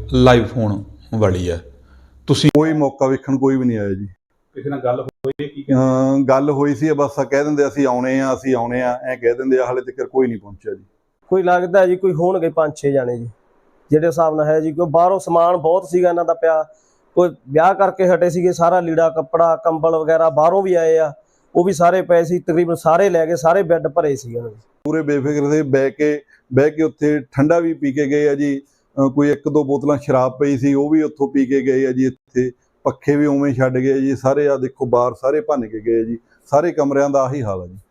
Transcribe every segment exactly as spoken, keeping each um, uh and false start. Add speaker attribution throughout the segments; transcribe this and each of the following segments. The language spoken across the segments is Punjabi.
Speaker 1: ਲਾਈਵ ਹੋਣ ਵਾਲੀ ਹੈ। ਤੁਸੀਂ
Speaker 2: ਕੋਈ ਮੌਕਾ ਵੇਖਣ ਕੋਈ ਵੀ ਨਹੀਂ ਆਇਆ ਜੀ।
Speaker 3: ਕਿਸੇ ਨਾਲ ਗੱਲ ਹੋਈ ਕੀ ਕਹਿੰਦੇ?
Speaker 2: ਅਹ ਗੱਲ ਹੋਈ ਸੀ, ਬਸ ਕਹਿ ਦਿੰਦੇ ਅਸੀਂ ਆਉਣੇ ਆ ਅਸੀਂ ਆਉਣੇ ਆ ਐ ਕਹਿ ਦਿੰਦੇ ਆ, ਹਾਲੇ ਤੱਕ ਕੋਈ ਨਹੀਂ ਪਹੁੰਚਿਆ ਜੀ।
Speaker 4: ਕੋਈ ਲੱਗਦਾ ਜੀ ਕੋਈ ਹੋਣਗੇ ਪੰਜ ਛੇ ਜਾਣੇ ਜੀ ਜਿਹੜੇ ਹਿਸਾਬ ਨਾਲ ਹੈ ਜੀ, ਕੋਈ ਬਾਹਰੋਂ ਸਮਾਨ ਬਹੁਤ ਸੀਗਾ ਇਹਨਾਂ ਦਾ ਪਿਆ, ਕੋਈ ਵਿਆਹ ਕਰਕੇ ਹਟੇ ਸੀਗੇ, ਸਾਰਾ ਲੀੜਾ ਕੱਪੜਾ ਕੰਬਲ ਵਗੈਰਾ ਬਾਹਰੋਂ ਵੀ ਆਏ ਆ, ਉਹ ਵੀ ਸਾਰੇ ਪਏ ਸੀ, ਤਕਰੀਬਨ ਸਾਰੇ ਲੈ ਗਏ, ਸਾਰੇ ਬੈੱਡ ਭਰੇ ਸੀ ਉਹਨਾਂ ਦੇ।
Speaker 2: ਪੂਰੇ ਬੇਫਿਕਰ ਦੇ ਬਹਿ ਕੇ ਬਹਿ ਕੇ ਉੱਥੇ ਠੰਡਾ ਵੀ ਪੀ ਕੇ ਗਏ ਆ ਜੀ। ਕੋਈ ਇੱਕ ਦੋ ਬੋਤਲਾਂ ਸ਼ਰਾਬ ਪਈ ਸੀ ਉਹ ਵੀ ਉੱਥੋਂ ਪੀ ਕੇ ਗਏ ਆ ਜੀ। ਇੱਥੇ ਪੱਖੇ ਵੀ ਉਵੇਂ ਛੱਡ ਗਏ ਜੀ ਸਾਰੇ, ਆ ਦੇਖੋ ਬਾਹਰ ਸਾਰੇ ਭੰਨ ਕੇ ਗਏ ਜੀ, ਸਾਰੇ ਕਮਰਿਆਂ ਦਾ ਆਹੀ ਹਾਲ ਹੈ ਜੀ।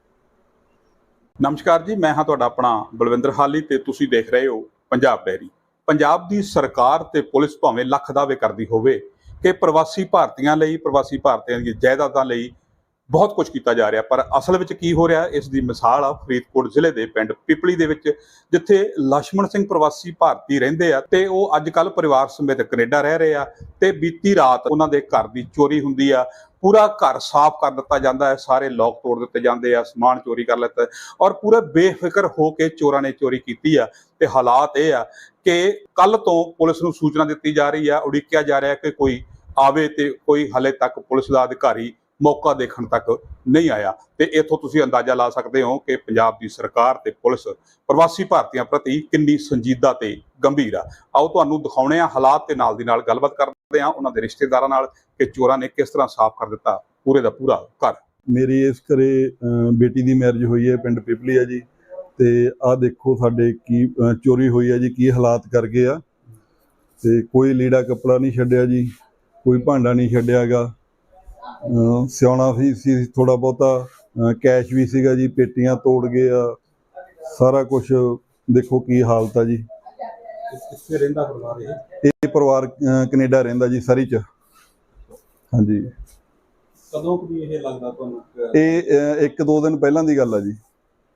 Speaker 3: ਨਮਸਕਾਰ ਜੀ, ਮੈਂ ਹਾਂ ਤੁਹਾਡਾ ਆਪਣਾ ਬਲਵਿੰਦਰ ਹਾਲੀ ਤੇ ਤੁਸੀਂ ਦੇਖ ਰਹੇ ਹੋ ਪੰਜਾਬ ਡੈਰੀ। ਪੰਜਾਬ ਦੀ ਸਰਕਾਰ ਤੇ ਪੁਲਿਸ ਭਾਵੇਂ ਲੱਖ ਦਾਅਵੇ ਕਰਦੀ ਹੋਵੇ ਕਿ ਪ੍ਰਵਾਸੀ ਭਾਰਤੀਆਂ ਲਈ, ਪ੍ਰਵਾਸੀ ਭਾਰਤੀਆਂ ਦੀ ਜਾਇਦਾਦਾਂ ਲਈ ਬਹੁਤ ਕੁਝ ਕੀਤਾ ਜਾ ਰਿਹਾ, ਪਰ ਅਸਲ ਵਿੱਚ ਕੀ ਹੋ ਰਿਹਾ ਇਸ ਦੀ ਮਿਸਾਲ ਆ ਫਰੀਦਕੋਟ ਜ਼ਿਲ੍ਹੇ ਦੇ ਪਿੰਡ ਪਿਪਲੀ ਦੇ ਵਿੱਚ, ਜਿੱਥੇ ਲਛਮਣ ਸਿੰਘ ਪ੍ਰਵਾਸੀ ਭਾਰਤੀ ਰਹਿੰਦੇ ਆ ਤੇ ਉਹ ਅੱਜ ਕੱਲ੍ਹ ਪਰਿਵਾਰ ਸਮੇਤ ਕੈਨੇਡਾ ਰਹਿ ਰਹੇ ਆ। ਤੇ ਬੀਤੀ ਰਾਤ ਉਹਨਾਂ ਦੇ ਘਰ ਦੀ ਚੋਰੀ ਹੁੰਦੀ ਆ, ਪੂਰਾ ਘਰ ਸਾਫ਼ ਕਰ ਦਿੱਤਾ ਜਾਂਦਾ ਹੈ, ਸਾਰੇ ਲੋਕ ਤੋੜ ਦਿੱਤੇ ਜਾਂਦੇ ਆ, ਸਮਾਨ ਚੋਰੀ ਕਰ ਲਿੱਤਾ ਔਰ ਪੂਰੇ ਬੇਫਿਕਰ ਹੋ ਕੇ ਚੋਰਾਂ ਨੇ ਚੋਰੀ ਕੀਤੀ ਆ। ਤੇ ਹਾਲਾਤ ਇਹ ਆ ਕਿ ਕੱਲ ਤੋਂ ਪੁਲਿਸ ਨੂੰ ਸੂਚਨਾ ਦਿੱਤੀ ਜਾ ਰਹੀ ਆ, ਉਡੀਕਿਆ ਜਾ ਰਿਹਾ ਕਿ ਕੋਈ ਆਵੇ, ਤੇ ਕੋਈ ਹਾਲੇ ਤੱਕ ਪੁਲਿਸ ਦਾ ਅਧਿਕਾਰੀ ਮੌਕਾ ਦੇਖਣ ਤੱਕ ਨਹੀਂ ਆਇਆ। ਤੇ ਇਥੋਂ ਤੁਸੀਂ ਅੰਦਾਜ਼ਾ ਲਾ ਸਕਦੇ ਹੋ ਕਿ ਪੰਜਾਬ ਦੀ ਸਰਕਾਰ ਤੇ ਪੁਲਿਸ ਪ੍ਰਵਾਸੀ ਭਾਰਤੀਆਂ ਪ੍ਰਤੀ ਕਿੰਨੀ ਸੰਜੀਦਾ ਤੇ ਗੰਭੀਰ ਆ। ਆਓ ਤੁਹਾਨੂੰ ਦਿਖਾਉਣੇ ਆ ਹਾਲਾਤ ਤੇ ਨਾਲ ਦੀ ਨਾਲ ਗੱਲਬਾਤ ਕਰਦੇ ਆ ਉਹਨਾਂ ਦੇ ਰਿਸ਼ਤੇਦਾਰਾਂ ਨਾਲ ਕਿ ਚੋਰਾਂ ਨੇ ਕਿਸ ਤਰ੍ਹਾਂ ਸਾਫ਼ ਕਰ ਦਿੱਤਾ ਪੂਰੇ ਦਾ ਪੂਰਾ ਘਰ।
Speaker 2: ਮੇਰੀ ਇਸ ਘਰੇ ਬੇਟੀ ਦੀ ਮੈਰਿਜ ਹੋਈ ਹੈ, ਪਿੰਡ ਪਿਪਲੀ ਹੈ ਜੀ। ਤੇ ਆਹ ਦੇਖੋ ਸਾਡੇ ਕੀ ਚੋਰੀ ਹੋਈ ਹੈ ਜੀ, ਕੀ ਹਾਲਾਤ ਕਰ ਗਏ ਆ। ਤੇ ਕੋਈ ਲੀੜਾ ਕੱਪੜਾ ਨਹੀਂ ਛੱਡਿਆ ਜੀ, ਕੋਈ ਭਾਂਡਾ ਨਹੀਂ ਛੱਡਿਆ ਗਾ। ਸਿਆਉਣਾ ਵੀ ਸੀ ਥੋੜਾ ਬਹੁਤਾ, ਕੈਸ਼ ਵੀ ਸੀਗਾ ਜੀ, ਪੇਟੀਆਂ ਤੋੜ ਗਏ ਆ, ਸਾਰਾ ਕੁਝ ਦੇਖੋ ਕੀ ਹਾਲਤ ਆ ਜੀ।
Speaker 3: ਕਿੱਥੇ ਰਹਿੰਦਾ ਪਰਿਵਾਰ ਇਹ?
Speaker 2: ਇਹ ਪਰਿਵਾਰ ਕੈਨੇਡਾ ਰਹਿੰਦਾ ਜੀ, ਸਰੀ ਚ। ਹਾਂਜੀ।
Speaker 3: ਕਦੋਂ ਕੁ ਦੀ ਇਹ ਲੱਗਦਾ ਤੁਹਾਨੂੰ?
Speaker 2: ਇਹ ਇੱਕ ਦੋ ਦਿਨ ਪਹਿਲਾਂ ਦੀ ਗੱਲ ਆ ਜੀ,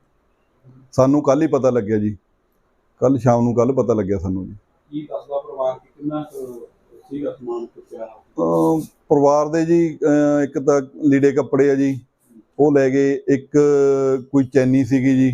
Speaker 2: ਸਾਨੂੰ ਕੱਲ ਹੀ ਪਤਾ ਲੱਗਿਆ ਜੀ, ਕੱਲ ਸ਼ਾਮ ਨੂੰ ਕੱਲ ਪਤਾ ਲੱਗਿਆ ਸਾਨੂੰ ਜੀ।
Speaker 3: ਕੀ ਦੱਸਦਾ ਪਰਿਵਾਰ ਕਿ ਕਿੰਨਾ ਸੀਗਾ ਸਮਾਨ ਚੁੱਕਿਆ?
Speaker 2: ਪਰਿਵਾਰ ਦੇ ਜੀ ਇੱਕ ਤਾਂ ਲੀੜੇ ਕੱਪੜੇ ਆ ਜੀ, ਉਹ ਲੈ ਗਏ, ਇੱਕ ਕੋਈ ਚੈਨੀ ਸੀਗੀ ਜੀ,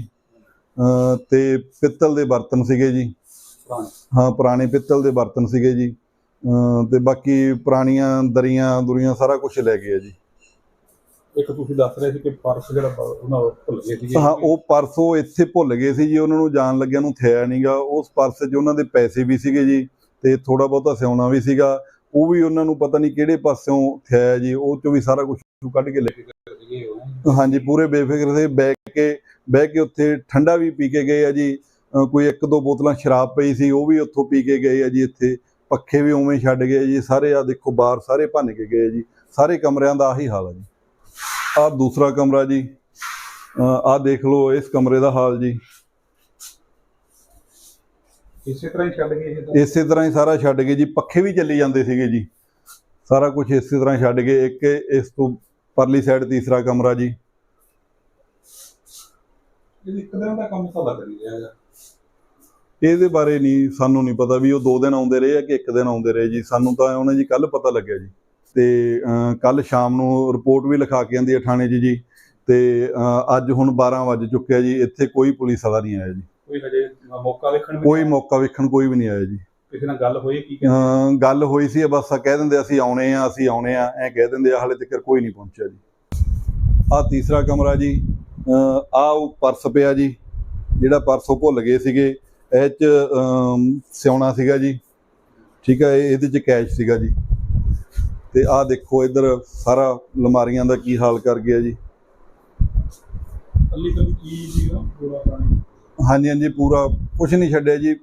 Speaker 2: ਤੇ ਪਿੱਤਲ ਦੇ ਬਰਤਨ ਸੀਗੇ ਜੀ। ਹਾਂ, ਪੁਰਾਣੇ ਪਿੱਤਲ ਦੇ ਬਰਤਨ ਸੀਗੇ ਜੀ। ਤੇ ਬਾਕੀ ਪੁਰਾਣੀਆਂ ਦਰੀਆਂ ਦੁਰੀਆਂ ਸਾਰਾ ਕੁਝ ਲੈ ਗਏ ਆ ਜੀ।
Speaker 3: ਇੱਕ ਤੁਸੀਂ ਦੱਸ ਰਹੇ ਸੀ ਕਿ ਪਰਸ ਜਿਹੜਾ ਉਹਨਾਂ ਭੁੱਲ ਗਏ ਸੀ।
Speaker 2: ਹਾਂ, ਉਹ ਪਰਸ ਉਹ ਇੱਥੇ ਭੁੱਲ ਗਏ ਸੀ ਜੀ, ਉਹਨਾਂ ਨੂੰ ਜਾਣ ਲੱਗਿਆ ਨੂੰ ਥਿਆ ਨਹੀਂਗਾ। ਉਸ ਪਰਸ 'ਚ ਉਹਨਾਂ ਦੇ ਪੈਸੇ ਵੀ ਸੀਗੇ ਜੀ, ਤੇ ਥੋੜਾ ਬਹੁਤਾ ਸਿਉਣਾ ਵੀ ਸੀਗਾ, ਉਹ ਵੀ ਉਹਨਾਂ ਨੂੰ ਪਤਾ ਨਹੀਂ ਕਿਹੜੇ ਪਾਸਿਓਂ ਥਿਆ ਜੀ, ਉਹ 'ਚੋਂ ਵੀ ਸਾਰਾ ਕੁਝ ਕੱਢ ਕੇ ਲੈ ਗਏ। ਹਾਂਜੀ, ਪੂਰੇ ਬੇਫਿਕਰ ਦੇ ਬਹਿ ਕੇ ਬਹਿ ਕੇ ਉੱਥੇ ਠੰਡਾ ਵੀ ਪੀ ਕੇ ਗਏ ਆ ਜੀ। ਕੋਈ ਇੱਕ ਦੋ ਬੋਤਲਾਂ ਸ਼ਰਾਬ ਪਈ ਸੀ ਉਹ ਵੀ ਉੱਥੋਂ ਪੀ ਕੇ ਗਏ ਆ ਜੀ। ਇੱਥੇ ਪੱਖੇ ਵੀ ਉਵੇਂ ਛੱਡ ਗਏ ਜੀ ਸਾਰੇ, ਆ ਦੇਖੋ ਬਾਹਰ ਸਾਰੇ ਭੰਨ ਕੇ ਗਏ ਜੀ, ਸਾਰੇ ਕਮਰਿਆਂ ਦਾ ਆਹੀ ਹਾਲ ਆ ਜੀ। ਆਹ ਦੂਸਰਾ ਕਮਰਾ ਜੀ, ਆਹ ਦੇਖ ਲਓ ਇਸ ਕਮਰੇ ਦਾ ਹਾਲ ਜੀ।
Speaker 3: ਇਸੇ ਤਰ੍ਹਾਂ ਹੀ ਛੱਡ ਗਏ?
Speaker 2: ਇਸੇ ਤਰ੍ਹਾਂ ਹੀ ਸਾਰਾ ਛੱਡ ਗਏ ਜੀ, ਪੱਖੇ ਵੀ ਚੱਲੀ ਜਾਂਦੇ ਸੀਗੇ ਜੀ, ਸਾਰਾ ਕੁਝ ਇਸੇ ਤਰ੍ਹਾਂ ਛੱਡ ਗਏ। ਇੱਕ ਇਸ ਤੋਂ ਪਰਲੀ ਸਾਈਡ ਤੀਸਰਾ ਕਮਰਾ ਜੀ।
Speaker 3: ਇੱਕ ਦਿਨ ਦਾ ਕੰਮ ਤਾਂ ਲੱਗ ਨਹੀਂ ਰਿਹਾ।
Speaker 2: ਇਹਦੇ ਬਾਰੇ ਨਹੀਂ, ਸਾਨੂੰ ਨਹੀਂ ਪਤਾ ਵੀ ਉਹ ਦੋ ਦਿਨ ਆਉਂਦੇ ਰਹੇ ਆ ਕਿ ਇੱਕ ਦਿਨ ਆਉਂਦੇ ਰਹੇ ਜੀ, ਸਾਨੂੰ ਤਾਂ ਉਹਨਾਂ ਜੀ ਕੱਲ ਪਤਾ ਲੱਗਿਆ ਜੀ। ਤੇ ਕੱਲ ਸ਼ਾਮ ਨੂੰ ਰਿਪੋਰਟ ਵੀ ਲਿਖਾ ਕੇ ਆਂਦੀ ਹੈ ਥਾਣੇ 'ਚ ਜੀ। ਤੇ ਅੱਜ ਹੁਣ ਬਾਰਾਂ ਵੱਜ ਚੁੱਕਿਆ ਜੀ, ਇੱਥੇ ਕੋਈ ਪੁਲਿਸ ਵਾਲਾ ਨਹੀਂ ਆਇਆ ਜੀ।
Speaker 3: ਕੋਈ ਹਜੇ ਮੌਕਾ ਵੇਖਣ
Speaker 2: ਕੋਈ ਮੌਕਾ ਵੇਖਣ ਕੋਈ ਵੀ ਨਹੀਂ ਆਇਆ ਜੀ।
Speaker 3: ਕਿਸੇ ਨਾਲ ਗੱਲ ਹੋਈ ਕੀ ਕਹਿੰਦੇ?
Speaker 2: ਗੱਲ ਹੋਈ ਸੀ, ਬਸ ਕਹਿ ਦਿੰਦੇ ਅਸੀਂ ਆਉਣੇ ਆ ਅਸੀਂ ਆਉਣੇ ਆ ਐ ਕਹਿ ਦਿੰਦੇ ਆ, ਹਾਲੇ ਤੱਕ ਕੋਈ ਨਹੀਂ ਪਹੁੰਚਿਆ ਜੀ। ਆਹ ਤੀਸਰਾ ਕਮਰਾ ਜੀ, ਆਹ ਉਹ ਪਰਸ ਪਿਆ ਜੀ, ਜਿਹੜਾ ਪਰਸ ਉਹ ਭੁੱਲ ਗਏ ਸੀਗੇ। ਇਹ 'ਚ ਸਿਉਣਾ ਸੀਗਾ ਜੀ, ਠੀਕ ਹੈ, ਇਹਦੇ 'ਚ ਕੈਸ਼ ਸੀਗਾ ਜੀ। ਤੇ ਆਹ ਦੇਖੋ ਇੱਧਰ ਸਾਰਾ ਅਲਮਾਰੀਆਂ ਦਾ ਕੀ ਹਾਲ ਕਰ ਗਿਆ ਜੀ। ਹਾਂਜੀ ਹਾਂਜੀ, ਪੂਰਾ ਕੁਛ ਨਹੀਂ ਛੱਡਿਆ ਜੀ।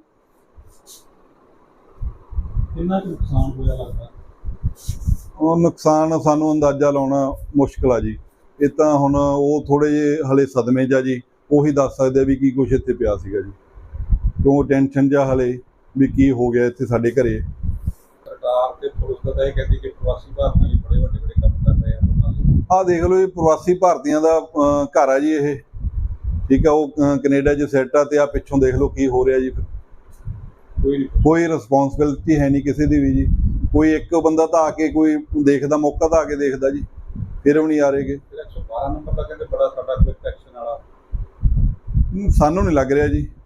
Speaker 3: ਕਿੰਨਾ ਕੁ ਨੁਕਸਾਨ ਹੋਇਆ ਲੱਗਦਾ?
Speaker 2: ਉਹ ਨੁਕਸਾਨ ਸਾਨੂੰ ਅੰਦਾਜ਼ਾ ਲਾਉਣਾ ਮੁਸ਼ਕਿਲ ਆ ਜੀ। ਇਹ ਤਾਂ ਹੁਣ ਉਹ ਥੋੜ੍ਹੇ ਜਿਹੇ ਹਲੇ ਸਦਮੇ 'ਚ ਆ ਜੀ, ਉਹੀ ਦੱਸ ਸਕਦੇ ਵੀ ਕੀ ਕੁਛ ਇੱਥੇ ਪਿਆ ਸੀਗਾ ਜੀ, ਕਿਉਂ ਟੈਨਸ਼ਨ ਜਿਹਾ ਹਲੇ ਵੀ ਕੀ ਹੋ ਗਿਆ ਇੱਥੇ ਸਾਡੇ ਘਰੇ।
Speaker 3: ਸਰਕਾਰ ਤੇ ਪੁਲਿਸ ਦਾ ਇਹ ਕਹਿੰਦੀ ਕਿ ਪ੍ਰਵਾਸੀ ਭਾਰਤੀਆਂ ਲਈ ਬੜੇ ਵੱਡੇ ਵੱਡੇ ਕੰਮ ਕਰ ਰਹੇ ਆ।
Speaker 2: ਆਹ ਦੇਖ ਲਓ, ਇਹ ਪ੍ਰਵਾਸੀ ਭਾਰਤੀਆਂ ਦਾ ਘਰ ਆ ਜੀ ਇਹ, ਠੀਕ ਆ। ਉਹ ਕੈਨੇਡਾ 'ਚ ਸੈੱਟ ਆ, ਤੇ ਆ ਪਿੱਛੋਂ ਦੇਖ ਲਓ ਕੀ ਹੋ ਰਿਹਾ ਜੀ।
Speaker 3: ਕੋਈ
Speaker 2: ਕੋਈ ਰਿਸਪੌਂਸਿਬਿਲਿਟੀ ਹੈ ਨਹੀਂ ਕਿਸੇ ਦੀ ਵੀ ਜੀ। ਕੋਈ ਇੱਕ ਬੰਦਾ ਤਾਂ ਆ ਕੇ ਕੋਈ ਦੇਖਦਾ, ਮੌਕਾ ਤਾਂ ਆ ਕੇ ਦੇਖਦਾ ਜੀ, ਫਿਰ ਵੀ ਨਹੀਂ ਆ ਰਹੇਗੇ।
Speaker 3: ਇੱਕ ਸੌ ਬਾਰਾਂ ਨੰਬਰ ਦਾ ਕਹਿੰਦੇ ਬੜਾ ਸਾਡਾ ਕੋਈ ਐਕਸ਼ਨ ਵਾਲਾ
Speaker 2: ਸਾਨੂੰ ਨਹੀਂ ਲੱਗ ਰਿਹਾ ਜੀ।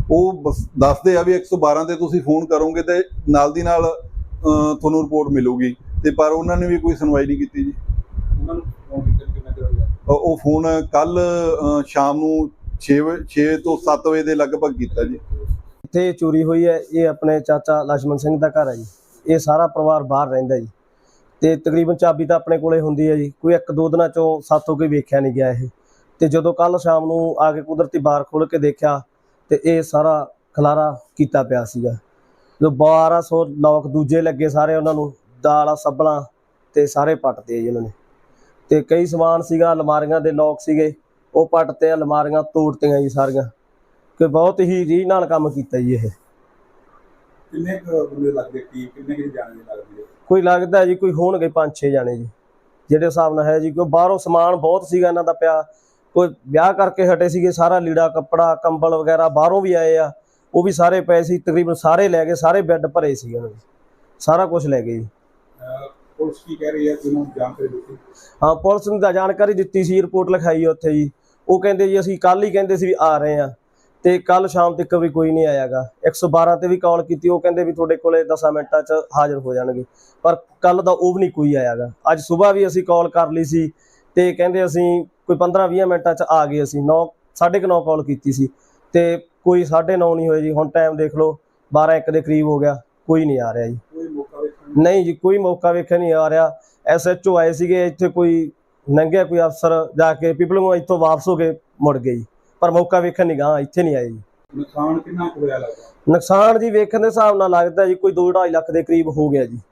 Speaker 2: ਉਹ ਬਸ ਦੱਸਦੇ ਆ ਵੀ ਇੱਕ ਸੌ ਬਾਰਾਂ ਤੇ ਤੁਸੀਂ ਫੋਨ ਕਰੋਗੇ ਤੇ ਨਾਲ ਦੀ ਨਾਲ ਅਹ, ਤੁਹਾਨੂੰ ਰਿਪੋਰਟ ਮਿਲੂਗੀ, ਤੇ ਪਰ ਉਹਨਾਂ ਨੇ ਵੀ ਕੋਈ ਸੁਣਵਾਈ ਨਹੀਂ ਕੀਤੀ ਜੀ।
Speaker 3: ਉਹਨਾਂ ਨੂੰ ਫੋਨ ਕੀਤਾ ਕਿੰਨਾ ਚਿਰ ਹੋ ਗਿਆ?
Speaker 2: ਅਹ, ਉਹ ਫੋਨ ਕੱਲ ਸ਼ਾਮ ਨੂੰ ਛੇ ਤੋਂ ਸੱਤ ਵਜੇ ਦੇ ਲਗਭਗ ਕੀਤਾ ਜੀ।
Speaker 4: ਇੱਥੇ ਚੋਰੀ ਹੋਈ ਹੈ, ਇਹ ਆਪਣੇ ਚਾਚਾ ਲక్ష్మణ ਸਿੰਘ ਦਾ ਘਰ ਹੈ ਜੀ। ਇਹ ਸਾਰਾ ਪਰਿਵਾਰ ਬਾਹਰ ਰਹਿੰਦਾ ਜੀ, ਤੇ ਤਕਰੀਬਨ ਚਾਬੀ ਤਾਂ ਆਪਣੇ ਕੋਲੇ ਹੁੰਦੀ ਹੈ ਜੀ। ਕੋਈ ਇੱਕ ਦੋ ਦਿਨਾਂ ਚੋਂ ਸਾਥੋਂ ਕੋਈ ਵੇਖਿਆ ਨਹੀਂ ਗਿਆ ਇਹ। ਤੇ ਜਦੋਂ ਕੱਲ ਸ਼ਾਮ ਨੂੰ ਆ ਕੇ ਕੁਦਰਤੀ ਬਾਰ ਖੋਲ੍ਹ ਕੇ ਦੇਖਿਆ ਤੇ ਇਹ ਸਾਰਾ ਖਲਾਰਾ ਕੀਤਾ ਪਿਆ ਸੀਗਾ। ਜੋ ਬਾਰਾਂ ਸੌ ਲੋਕ ਦੂਜੇ ਲੱਗੇ ਸਾਰੇ, ਉਹਨਾਂ ਨੂੰ ਦਾਲਾਂ ਸੱਬਲਾਂ ਤੇ ਸਾਰੇ ਪੱਟਦੇ ਜੀ ਉਹਨਾਂ ਨੇ। ਤੇ ਕਈ ਸਮਾਨ ਸੀਗਾ, ਅਲਮਾਰੀਆਂ ਦੇ ਲੋਕ ਸੀਗੇ, ਉਹ ਪੱਟਤੇ, ਅਲਮਾਰੀਆਂ ਤੋੜਤੀਆਂ ਜੀ ਸਾਰੀਆਂ। ਕਿ ਬਹੁਤ ਹੀ ਰੀਝ ਨਾਲ ਕੰਮ ਕੀਤਾ ਜੀ ਇਹ।
Speaker 3: ਕਿੰਨੇ ਕੁ ਬੰਦੇ ਲੱਗਦੇ, ਟੀਮ ਕਿੰਨੇ ਕੁ ਜਾਣੇ ਦੀ ਲੱਗਦੀ ਹੈ?
Speaker 4: ਕੋਈ ਲੱਗਦਾ ਜੀ ਕੋਈ ਹੋਣਗੇ ਪੰਜ ਛੇ ਜਾਣੇ ਜੀ, ਜਿਹੜੇ ਹਿਸਾਬ ਨਾਲ ਹੈ ਜੀ। ਕੋਈ ਬਾਹਰੋਂ ਸਮਾਨ ਬਹੁਤ ਸੀਗਾ ਇਹਨਾਂ ਦਾ ਪਿਆ, ਕੋਈ ਵਿਆਹ ਕਰਕੇ ਹਟੇ ਸੀਗੇ, ਸਾਰਾ ਲੀੜਾ ਕੱਪੜਾ ਕੰਬਲ ਵਗੈਰਾ ਬਾਹਰੋਂ ਵੀ ਆਏ ਆ, ਉਹ ਵੀ ਸਾਰੇ ਪਏ ਸੀ, ਤਕਰੀਬਨ ਸਾਰੇ ਲੈ ਗਏ। ਸਾਰੇ ਬੈੱਡ ਭਰੇ ਸੀ ਉਹਨਾਂ ਦੇ, ਸਾਰਾ ਕੁਝ ਲੈ ਗਏ ਜੀ।
Speaker 3: ਪੁਲਿਸ ਕੀ ਕਹਿ ਰਹੀ ਹੈ, ਤੁਹਾਨੂੰ ਜਾਣਕਾਰੀ ਦਿੱਤੀ?
Speaker 4: ਹਾਂ, ਪੁਲਿਸ ਨੂੰ ਤਾਂ ਜਾਣਕਾਰੀ ਦਿੱਤੀ ਸੀ, ਰਿਪੋਰਟ ਲਿਖਾਈ ਉੱਥੇ ਜੀ। ਉਹ ਕਹਿੰਦੇ ਜੀ ਅਸੀਂ ਕੱਲ ਹੀ ਕਹਿੰਦੇ ਸੀ ਵੀ ਆ ਰਹੇ ਆ, ਤੇ ਕੱਲ ਸ਼ਾਮ ਤੱਕ ਵੀ ਕੋਈ ਨਹੀਂ ਆਇਆਗਾ। ਇੱਕ ਸੌ ਬਾਰਾਂ ਤੇ ਵੀ ਕਾਲ ਕੀਤੀ, ਉਹ ਕਹਿੰਦੇ ਵੀ ਤੁਹਾਡੇ ਕੋਲੇ ਦਸਾਂ ਮਿੰਟਾਂ 'ਚ ਹਾਜ਼ਰ ਹੋ ਜਾਣਗੇ, ਪਰ ਕੱਲ ਦਾ ਉਹ ਵੀ ਨਹੀਂ ਕੋਈ ਆਇਆਗਾ। ਅੱਜ ਸਵੇਰ ਵੀ ਅਸੀਂ ਕਾਲ ਕਰ ਲਈ ਸੀ, ਤੇ ਕਹਿੰਦੇ ਅਸੀਂ ਕੋਈ ਪੰਦਰਾਂ ਵੀਹ ਮਿੰਟਾਂ 'ਚ ਆ ਗਏ। ਅਸੀਂ ਨੌ ਸਾਢੇ ਕੁ ਨੌ ਕਾਲ ਕੀਤੀ ਸੀ, ਤੇ ਕੋਈ ਸਾਢੇ ਨੌ ਨਹੀਂ ਹੋਏ ਜੀ। ਹੁਣ ਟਾਈਮ ਦੇਖ ਲਓ, ਬਾਰਾਂ ਇੱਕ ਦੇ ਕਰੀਬ ਹੋ ਗਿਆ, ਕੋਈ ਨਹੀਂ ਆ ਰਿਹਾ ਜੀ।
Speaker 3: ਕੋਈ ਮੌਕਾ ਵੇਖਣ
Speaker 4: ਨਹੀਂ ਜੀ, ਕੋਈ ਮੌਕਾ ਵੇਖਣ ਨਹੀਂ ਆ ਰਿਹਾ। ਐਸ ਐਚ ਓ ਆਏ ਸੀਗੇ ਇੱਥੇ, ਕੋਈ ਲੰਘਿਆ ਕੋਈ ਅਫਸਰ, ਜਾ ਕੇ ਪੀਪਲੋਂ ਇੱਥੋਂ ਵਾਪਸ ਹੋ ਕੇ ਮੁੜ ਗਏ ਜੀ, ਪਰ ਮੌਕਾ ਵੇਖਣ ਨਹੀਂ ਗਾ, ਇੱਥੇ ਨਹੀਂ ਆਏ ਜੀ।
Speaker 3: ਨੁਕਸਾਨ ਕਿੰਨਾ ਕੁ ਹੋਇਆ ਲੱਗਦਾ?
Speaker 4: ਨੁਕਸਾਨ ਜੀ ਵੇਖਣ ਦੇ ਹਿਸਾਬ ਨਾਲ ਲੱਗਦਾ ਜੀ ਕੋਈ ਦੋ ਢਾਈ ਲੱਖ ਦੇ ਕਰੀਬ ਹੋ ਗਿਆ ਜੀ।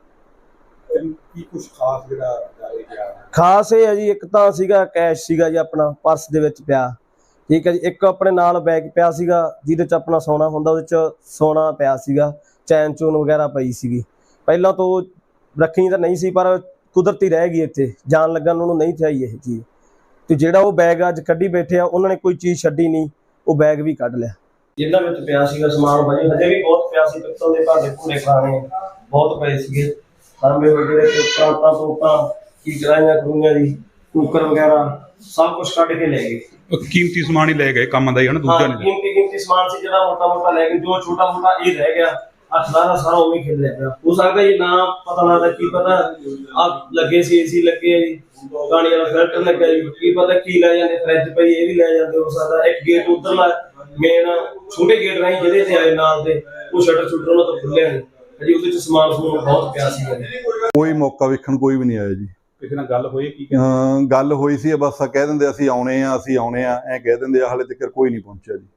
Speaker 3: ਕੀ ਕੁਝ ਖਾਸ ਜਿਹੜਾ ਜਾਰੀ ਗਿਆ?
Speaker 4: ਖਾਸ ਇਹ ਹੈ ਜੀ, ਇੱਕ ਤਾਂ ਸੀਗਾ ਕੈਸ਼ ਸੀਗਾ ਜੀ ਆਪਣਾ ਪਰਸ ਦੇ ਵਿੱਚ ਪਿਆ, ਠੀਕ ਹੈ ਜੀ। ਇੱਕ ਆਪਣੇ ਨਾਲ ਬੈਗ ਪਿਆ ਸੀਗਾ ਜਿਹਦੇ 'ਚ ਆਪਣਾ ਸੋਨਾ ਹੁੰਦਾ, ਉਹਦੇ 'ਚ ਸੋਨਾ ਪਿਆ ਸੀਗਾ, ਚੈਨ ਚੂਨ ਵਗੈਰਾ ਪਈ ਸੀਗੀ। ਪਹਿਲਾਂ ਤੋਂ ਰੱਖੀ ਤਾਂ ਨਹੀਂ ਸੀ, ਪਰ ਕੁਦਰਤੀ ਰਹਿ ਗਈ ਇੱਥੇ, ਜਾਣ ਲੱਗਣ ਉਹਨੂੰ ਨਹੀਂ ਚਾਹੀ ਇਹ ਚੀਜ਼। ਤੇ ਜਿਹੜਾ ਉਹ ਬੈਗ ਅੱਜ ਕੱਢੀ ਬੈਠੇ ਆ, ਉਹਨਾਂ ਨੇ ਕੋਈ ਚੀਜ਼ ਛੱਡੀ ਨਹੀਂ, ਉਹ ਬੈਗ ਵੀ ਕੱਢ ਲਿਆ। ਜਿੰਨਾ ਵਿੱਚ ਪਿਆ ਸੀਗਾ ਸਮਾਨ ਭਾਜੀ, ਹਜੇ ਵੀ ਬਹੁਤ ਪਿਆ ਸੀ, ਪਿੱਤਲ ਦੇ ਭਾਂਡੇ ਭੂਰੇ ਖਾਣੇ ਬਹੁਤ ਪਏ ਸੀਗੇ, ਤਾਂਬੇ ਵਗੈਰੇ ਤੇ ਪ੍ਰਾਂਤਾਂ ਤੋਪਾਂ ਕੀ ਕਰਾਈਆਂ ਕਰੂੰਗੀਆਂ ਜੀ, ਕੁੱਕਰ ਵਗੈਰਾ ਸਭ ਕੁਝ ਕੱਢ ਕੇ ਲੈ ਗਏ।
Speaker 3: ਕੀਮਤੀ ਸਮਾਨ ਹੀ ਲੈ ਗਏ, ਕੰਮ ਦਾ ਹੀ ਹਨਾ, ਦੂਜਾ ਨਹੀਂ।
Speaker 4: ਕੀਮਤੀ ਕੀਮਤੀ ਸਮਾਨ ਸੀ ਜਿਹੜਾ ਮੋਟਾ ਮੋਟਾ ਲੈ ਗਏ, ਜੋ ਛੋਟਾ ਮੋਟਾ ਇਹ ਰਹਿ ਗਿਆ, ਅਠਾਰਾਂ ਸਾਰਾ ਉਵੇਂ ਖੇਡ ਲਿਆ ਪਿਆ। ਹੋ ਸਕਦਾ ਜੀ ਨਾ ਪਤਾ ਲੱਗਦਾ, ਕੀ ਪਤਾ ਆ ਲੱਗੇ ਸੀ ਏਸੀ ਲੱਗੇ ਆ ਜੀ, ਪਾਣੀ ਵਾਲਾ ਫਿਲਟਰ ਲੱਗਾ ਜੀ, ਕੀ ਪਤਾ ਕੀ ਲੈ ਜਾਂਦੇ, ਫਰਿੱਜ ਪਈ ਇਹ ਵੀ ਲੈ ਜਾਂਦੇ। ਹੋ ਸਕਦਾ ਇੱਕ ਗੇਟ ਉਧਰਲਾ ਮੇਨ ਛੋਟੇ ਗੇਟ ਰਾਹੀਂ ਜਿਹਦੇ ਤੇ ਆਏ ਨਾਲ ਦੇ, ਉਹ ਸ਼ਟਰ ਸ਼ੂਟਰ ਉਹਨਾਂ ਤੋਂ ਖੁੱਲਿਆ ਨਹੀਂ ਜੀ, ਉਹਦੇ ਚ ਸਮਾਨ ਸਮੂਨ ਬਹੁਤ ਪਿਆ ਸੀ।
Speaker 2: ਕੋਈ ਮੌਕਾ ਵੇਖਣ ਕੋਈ ਵੀ ਨਹੀਂ ਆਇਆ ਜੀ।
Speaker 3: ਕਿਸੇ ਨਾਲ ਗੱਲ ਹੋਈ? ਕੀ
Speaker 2: ਅਹ ਗੱਲ ਹੋਈ ਸੀ, ਬਸ ਕਹਿ ਦਿੰਦੇ ਅਸੀਂ ਆਉਣੇ ਆ ਅਸੀਂ ਆਉਣੇ ਆ, ਐਂ ਕਹਿ ਦਿੰਦੇ ਆ, ਹਾਲੇ ਤੱਕ ਕੋਈ ਨਹੀਂ ਪਹੁੰਚਿਆ ਜੀ।